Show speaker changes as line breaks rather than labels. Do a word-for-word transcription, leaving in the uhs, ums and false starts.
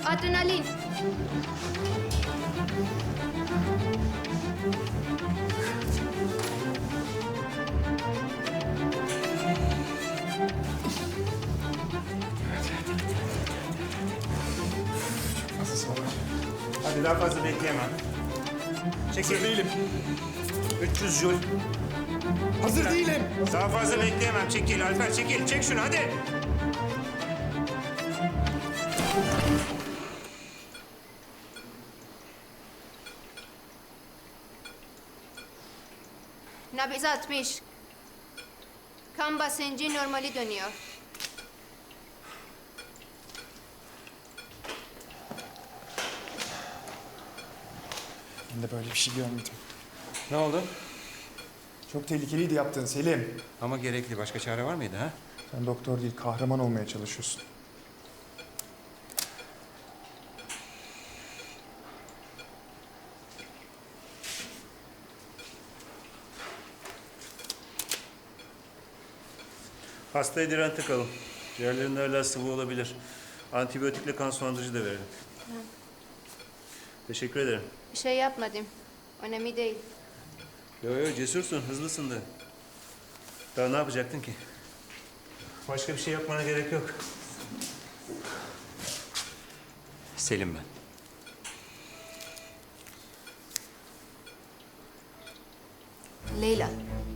Adrenalin.
Nasıl var?
Hadi daha fazla bekleyemem.
Hazır
Çekil.
değilim.
üç yüz jul.
Hazır değilim.
Daha fazla bekleyemem. Çekil Alper, çekil. Çek şunu hadi.
Nabız altmış. Kan basıncı normali dönüyor.
Ben de böyle bir şey görmedim.
Ne oldu?
Çok tehlikeliydi yaptığın Selim.
Ama gerekli. Başka çare var mıydı ha?
Sen doktor değil, kahraman olmaya çalışıyorsun.
Hastaya diren takalım. Ciğerlerinde hala sıvı olabilir. Antibiyotikle kan sulandırıcı da verelim. Teşekkür ederim.
Bir şey yapmadım. Önemli değil.
Yo yo cesursun, hızlısın da. Daha ne yapacaktın ki? Başka bir şey yapmana gerek yok. Selim ben.
Leyla.